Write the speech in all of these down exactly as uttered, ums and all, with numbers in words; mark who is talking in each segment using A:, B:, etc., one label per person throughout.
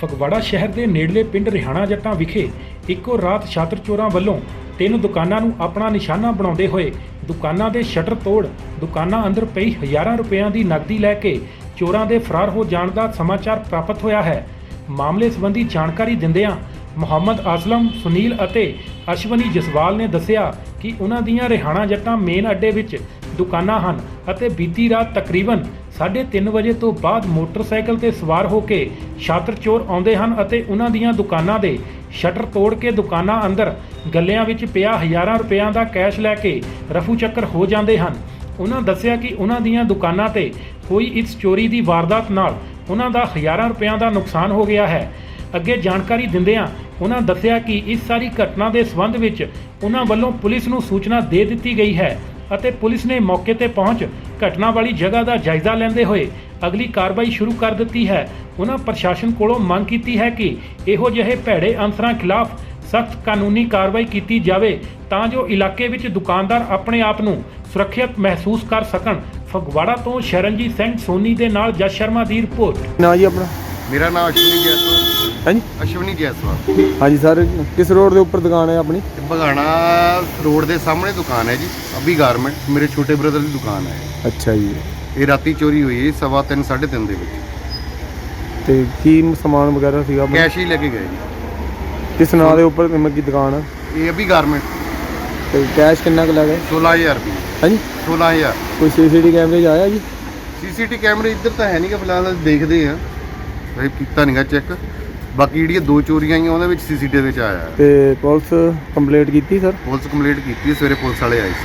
A: ਫਗਵਾੜਾ ਸ਼ਹਿਰ ਦੇ ਨੇੜਲੇ ਪਿੰਡ ਰਿਹਾਣਾ ਜੱਟਾਂ ਵਿਖੇ ਇੱਕੋ ਰਾਤ ਛਾਤਰ ਚੋਰਾਂ ਵੱਲੋਂ ਤਿੰਨ ਦੁਕਾਨਾਂ ਨੂੰ ਆਪਣਾ ਨਿਸ਼ਾਨਾ ਬਣਾਉਂਦੇ ਹੋਏ ਦੁਕਾਨਾਂ ਦੇ ਸ਼ਟਰ ਤੋੜ ਦੁਕਾਨਾਂ ਅੰਦਰ ਪਈ ਹਜ਼ਾਰਾਂ ਰੁਪਇਆਂ ਦੀ ਨਕਦੀ ਲੈ ਕੇ ਚੋਰਾਂ ਦੇ ਫਰਾਰ ਹੋ ਜਾਣ ਦਾ ਸਮਾਚਾਰ ਪ੍ਰਾਪਤ ਹੋਇਆ ਹੈ। ਮਾਮਲੇ ਸੰਬੰਧੀ ਜਾਣਕਾਰੀ ਦਿੰਦਿਆਂ ਮੁਹੰਮਦ ਆਸਲਮ, ਸੁਨੀਲ ਅਤੇ ਅਸ਼ਵਨੀ ਜਸਵਾਲ ਨੇ ਦੱਸਿਆ ਕਿ ਉਹਨਾਂ ਦੀਆਂ ਰਿਹਾਣਾ ਜੱਟਾਂ ਮੇਨ ਅੱਡੇ ਵਿੱਚ ਦੁਕਾਨਾਂ ਹਨ ਅਤੇ ਬੀਤੀ ਰਾਤ ਤਕਰੀਬਨ ਸਾਢੇ ਤਿੰਨ ਵਜੇ ਤੋਂ ਬਾਅਦ ਮੋਟਰਸਾਈਕਲ ਤੇ ਸਵਾਰ ਹੋ ਕੇ ਛਾਤਰ ਚੋਰ ਆਉਂਦੇ ਹਨ ਅਤੇ ਉਹਨਾਂ ਦੀਆਂ ਦੁਕਾਨਾਂ ਦੇ ਸ਼ਟਰ ਤੋੜ ਕੇ ਦੁਕਾਨਾਂ ਅੰਦਰ ਗੱਲਿਆਂ ਵਿੱਚ ਪਿਆ ਹਜ਼ਾਰਾਂ ਰੁਪਇਆਂ ਦਾ ਕੈਸ਼ ਲੈ ਕੇ ਰਫੂ ਚੱਕਰ ਹੋ ਜਾਂਦੇ ਹਨ। ਉਹਨਾਂ ਦੱਸਿਆ ਕਿ ਉਹਨਾਂ ਦੀਆਂ ਦੁਕਾਨਾਂ ਤੇ ਕੋਈ ਇਸ ਚੋਰੀ ਦੀ ਵਾਰਦਾਤ ਨਾਲ ਉਹਨਾਂ ਦਾ ਹਜ਼ਾਰਾਂ ਰੁਪਇਆਂ ਦਾ ਨੁਕਸਾਨ ਹੋ ਗਿਆ ਹੈ। ਅੱਗੇ ਜਾਣਕਾਰੀ ਦਿੰਦਿਆਂ ਉਹਨਾਂ ਦੱਸਿਆ ਕਿ ਇਸ ਸਾਰੀ ਘਟਨਾ ਦੇ ਸੰਬੰਧ ਵਿੱਚ ਉਹਨਾਂ ਵੱਲੋਂ ਪੁਲਿਸ ਨੂੰ ਸੂਚਨਾ ਦੇ ਦਿੱਤੀ ਗਈ ਹੈ ਅਤੇ ਪੁਲਿਸ ਨੇ ਮੌਕੇ ਤੇ ਪਹੁੰਚ ਘਟਨਾ ਵਾਲੀ ਜਗ੍ਹਾ ਦਾ ਜਾਇਜ਼ਾ ਲੈਂਦੇ ਹੋਏ ਅਗਲੀ ਕਾਰਵਾਈ ਸ਼ੁਰੂ ਕਰ ਦਿੱਤੀ ਹੈ। ਉਹਨਾਂ ਪ੍ਰਸ਼ਾਸਨ ਕੋਲੋਂ ਮੰਗ ਕੀਤੀ ਹੈ ਕਿ ਇਹੋ ਜਿਹੇ ਭੈੜੇ ਅਨਸਰਾਂ ਖਿਲਾਫ ਸਖਤ ਕਾਨੂੰਨੀ ਕਾਰਵਾਈ ਕੀਤੀ ਜਾਵੇ ਤਾਂ ਜੋ ਇਲਾਕੇ ਵਿੱਚ ਦੁਕਾਨਦਾਰ ਆਪਣੇ ਆਪ ਨੂੰ ਸੁਰੱਖਿਅਤ ਮਹਿਸੂਸ ਕਰ ਸਕਣ। ਫਗਵਾੜਾ ਤੋਂ ਸ਼ਰਨਜੀਤ ਸਿੰਘ ਸੋਨੀ ਦੇ ਨਾਲ ਜਸ ਸ਼ਰਮਾ ਦੀ ਰਿਪੋਰਟ।
B: ਨਾ ਜੀ ਆਪਣਾ
C: मेरा नाम अश्विनी जायसवाल।
B: हाँ जी
C: अश्विनी जायसवाल।
B: हाँ जी सर, किस रोड के ऊपर दुकान है अपनी?
C: बघाना रोड के सामने दुकान है जी, अभी गारमेंट मेरे छोटे ब्रदर की दुकान है।
B: अच्छा जी।
C: ये राती चोरी हुई है सवा तीन साढ़े तीन दे विच।
B: ते की समान वगैरह सीगा अपना?
C: कैश ही लेके गए जी।
B: किस नाम के ऊपर की दुकान है?
C: ये अभी गारमेंट।
B: ते कैश कितना क लगा?
C: सोलह हज़ार रुपये।
B: हाँ जी।
C: सोलह हज़ार।
B: कोई सी सी टी कैमरे आया जी?
C: सी सी टी कैमरे इधर तो है नहीं कि फिलहाल देखते हैं, भाई किया नहीं चेक। बाकी जी दो चोरियां आई उन्होंने सी सी टी वी आया है।
B: ते पुलिस कंप्लेंट की सर?
C: पुलिस कंप्लेंट की, सवेरे पुलिस वाले आए थे।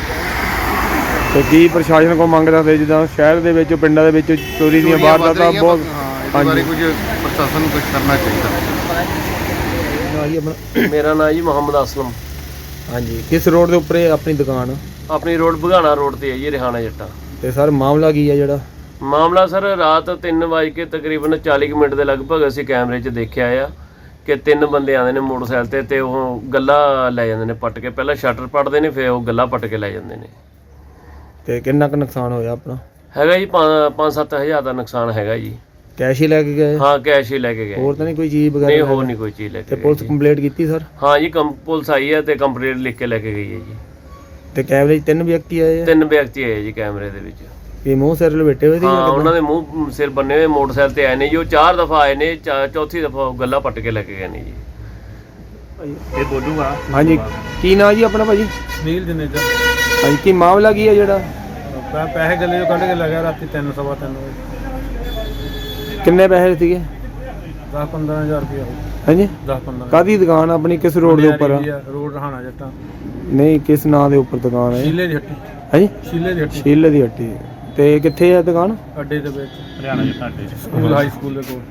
B: ਤੇ ਕੀ ਪ੍ਰਸ਼ਾਸਨ ਕੋ ਮੰਗ ਰੱਖਦੇ ਜਿੱਦਾਂ ਸ਼ਹਿਰ ਦੇ ਵਿੱਚ ਪਿੰਡਾਂ ਦੇ ਵਿੱਚ ਚੋਰੀ ਦੀਆਂ ਵਾਰਦਾਤਾਂ ਬਹੁਤ?
C: ਹਾਂ, ਇਸ ਬਾਰੇ ਕੁਝ ਪ੍ਰਸ਼ਾਸਨ ਨੂੰ ਕੁਝ ਕਰਨਾ ਚਾਹੀਦਾ।
B: ਨਾ ਜੀ ਆਪਣਾ?
D: ਮੇਰਾ ਨਾਮ ਜੀ ਮੁਹੰਮਦ ਆਸਲਮ।
B: ਹਾਂਜੀ, ਕਿਸ ਰੋਡ ਦੇ ਉੱਪਰ ਹੈ ਆਪਣੀ ਦੁਕਾਨ?
D: ਆਪਣੀ ਰੋਡ ਬਘਾਣਾ ਰੋਡ ਤੇ ਹੈ ਜੀ, ਰਿਹਾਣਾ ਜੱਟਾਂ।
B: ਤੇ ਸਰ ਮਾਮਲਾ ਕੀ ਹੈ ਜਿਹੜਾ?
D: ਮਾਮਲਾ ਸਰ ਰਾਤ ਤਿੰਨ ਵਜੇ ਕੇ ਤਕਰੀਬਨ ਚਾਲੀ ਕੁ ਮਿੰਟ ਦੇ ਲਗਭਗ ਅਸੀਂ ਕੈਮਰੇ 'ਚ ਦੇਖਿਆ ਆ ਕਿ ਤਿੰਨ ਬੰਦੇ ਆਉਂਦੇ ਨੇ ਮੋਟਰਸਾਈਕਲ ਤੇ ਤੇ ਉਹ ਗੱਲਾ ਲੈ ਜਾਂਦੇ ਨੇ ਪੱਟ ਕੇ। ਪਹਿਲਾਂ ਸ਼ਟਰ ਪੱਟਦੇ ਨੇ, ਫਿਰ ਉਹ ਗੱਲਾ ਪੱਟ ਕੇ ਲੈ ਜਾਂਦੇ ਨੇ।
B: ਤੇ ਕਿੰਨਾ ਕੁ ਨੁਕਸਾਨ ਹੋਇਆ ਆਪਣਾ?
D: ਹੈਗਾ ਜੀ ਪੰਜ ਸੱਤ ਹਜ਼ਾਰ ਦਾ ਨੁਕਸਾਨ ਹੈਗਾ ਜੀ।
B: ਕੈਸ਼ ਹੀ ਲੈ ਕੇ ਗਏ?
D: ਹਾਂ, ਕੈਸ਼ ਹੀ ਲੈ ਕੇ ਗਏ।
B: ਹੋਰ ਤਾਂ ਨਹੀਂ ਕੋਈ ਚੀਜ਼ ਵਗੈਰਾ?
D: ਨਹੀਂ, ਹੋਰ ਨਹੀਂ ਕੋਈ ਚੀਜ਼ ਲੈ ਕੇ
B: ਤੇ
D: ਗਏ।
B: ਪੁਲਿਸ ਕੰਪਲੇਂਟ ਕੀਤੀ ਸਰ?
D: ਹਾਂ ਜੀ, ਕੰਪ ਪੁਲਿਸ ਆਈ ਹੈ ਤੇ ਕੰਪਲੇਂਟ ਲਿਖ ਕੇ ਲੈ ਕੇ ਗਈ ਹੈ ਜੀ।
B: ਤੇ ਕੈਮਰੇ 'ਚ ਤਿੰਨ ਵਿਅਕਤੀ ਆਏ ਆ?
D: ਤਿੰਨ ਵਿਅਕਤੀ ਆਏ ਜੀ ਕੈਮਰੇ ਦੇ ਵਿੱਚ।
B: ਇਹ ਮੂੰਹ ਸਿਰ ਲਪੇਟੇ ਹੋਏ ਸੀ?
D: ਹਾਂ, ਉਹਨਾਂ ਦੇ ਮੂੰਹ ਸਿਰ ਬੰਨੇ ਹੋਏ ਮੋਟਰਸਾਈਕਲ ਤੇ ਆਏ ਨੇ ਜੀ। ਉਹ ਚਾਰ ਦਫਾ ਆਏ ਨੇ, ਚੌਥੀ ਦਫਾ ਗੱਲਾਂ ਪੱਟ ਕੇ ਲੈ ਕੇ ਗਏ ਨੇ ਜੀ।
A: ਇਹ ਬੋਲੂਗਾ।
B: ਹਾਂਜੀ, ਕੀ ਨਾਂ ਜੀ ਆਪਣਾ ਭਾਜੀ?
A: ਸੁਨੀਲ ਜਨੇਜਾ।
B: ਹਾਂਜੀ, ਕੀ ਮਾਮਲਾ ਕੀ ਹੈ ਜਿਹੜਾ?
A: ਪੈਸੇ ਗੱਲੇ ਚੋਂ ਕੱਢ ਕੇ ਲੈ ਗਿਆ ਰਾਤੀ ਤਿੰਨ ਸਵਾ ਤਿੰਨ ਵਜੇ।
B: ਕਿੰਨੇ ਪੈਸੇ ਸੀਗੇ?
A: ਦਸ ਪੰਦਰਾਂ ਹਜ਼ਾਰ ਰੁਪਇਆ।
B: ਹਾਂਜੀ,
A: ਦਸ ਪੰਦਰਾਂ।
B: ਕਾਹਦੀ ਦੁਕਾਨ ਆਪਣੀ? ਕਿਸ ਰੋਡ ਦੇ ਉੱਪਰ?
A: ਰੋਡ ਰਹਾਣਾ ਜੱਟਾਂ।
B: ਨਹੀਂ, ਕਿਸ ਨਾਂ ਦੇ ਉੱਪਰ ਦੁਕਾਨ ਹੈ?
A: ਸ਼ੀਲੇ ਦੀ ਹੱਟੀ।
B: ਹਾਂਜੀ,
A: ਸ਼ੀਲੇ ਦੀ ਹੱਟੀ।
B: ਸ਼ੀਲੇ ਦੀ ਹੱਟੀ। ਤੇ ਕਿੱਥੇ ਹੈ ਦੁਕਾਨ?
A: ਅੱਡੇ ਦੇ ਵਿੱਚ, ਹਰਿਆਣਾ ਜੱਟਾਂ ਅੱਡੇ, ਸਕੂਲ ਹਾਈ ਸਕੂਲ ਦੇ ਕੋਲ।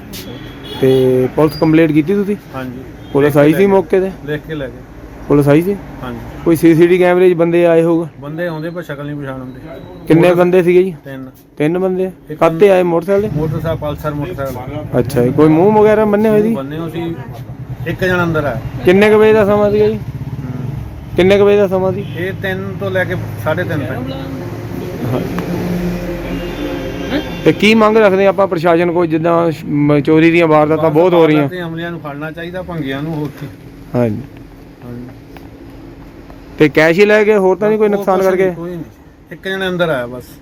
B: ਤੇ ਪੁਲਿਸ ਕੰਪਲੇਂਟ ਕੀਤੀ ਤੁਸੀਂ?
A: ਹਾਂਜੀ।
B: ਪੁਲਿਸ ਆਈ ਸੀ ਮੌਕੇ ਤੇ?
A: ਲਿਖ ਕੇ ਲੈ ਗਏ।
B: ਪੁਲਿਸ ਆਈ ਸੀ?
A: ਹਾਂਜੀ।
B: ਕੋਈ ਸੀਸੀਟੀ ਕੈਮਰੇ 'ਚ ਬੰਦੇ ਆਏ ਹੋਊਗਾ?
A: ਬੰਦੇ ਆਉਂਦੇ ਪਰ ਸ਼ਕਲ ਨਹੀਂ ਪਛਾਣ ਹੁੰਦੀ।
B: ਕਿੰਨੇ ਬੰਦੇ ਸੀਗੇ ਜੀ?
A: ਤਿੰਨ।
B: ਤਿੰਨ ਬੰਦੇ? ਕਾਹਤੇ ਆਏ? ਮੋਟਰਸਾਈਕਲ ਤੇ?
A: Motorcycle, Pulsar motorcycle.
B: ਅੱਛਾ ਜੀ, ਕੋਈ ਮੂੰਹ ਵਗੈਰਾ ਬੰਨੇ ਹੋਏ ਸੀ?
A: ਬੰਨੇ ਹੋ ਸੀ। ਇੱਕ ਜਣਾ ਅੰਦਰ ਆ।
B: ਕਿੰਨੇ ਕੁ ਵਜੇ ਦਾ ਸਮਾਂ ਸੀਗਾ ਜੀ? ਕਿੰਨੇ ਕੁ ਵਜੇ ਦਾ ਸਮਾਂ ਸੀ?
A: ਇਹ ਤਿੰਨ ਤੋਂ ਲੈ ਕੇ ਸਾਢੇ ਤਿੰਨ ਤੱਕ।
B: ਤੇ ਕੀ ਮੰਗ ਰੱਖਦੇ ਆਪਾਂ ਪ੍ਰਸ਼ਾਸਨ ਕੋਲ ਜਿੱਦਾਂ ਮ- ਚੋਰੀ ਦੀਆਂ ਵਾਰਦਾਤਾਂ ਬਹੁਤ ਹੋ ਰਹੀਆਂ?
A: ਤੇ ਅਮਲਿਆਂ ਨੂੰ ਫੜਨਾ ਚਾਹੀਦਾ, ਭੰਗਿਆਂ ਨੂੰ। ਹੋਰ ਕੀ।
B: ਹਾਂਜੀ।
A: ਹਾਂਜੀ।
B: ਤੇ ਕੈਸ਼ ਹੀ ਲੈ ਗਏ? ਹੋਰ ਤਾਂ ਨਹੀਂ ਕੋਈ ਨੁਕਸਾਨ ਕਰਕੇ?
A: ਕੋਈ ਨਹੀਂ, ਇੱਕ ਜਣਾ ਅੰਦਰ ਆਇਆ ਬਸ।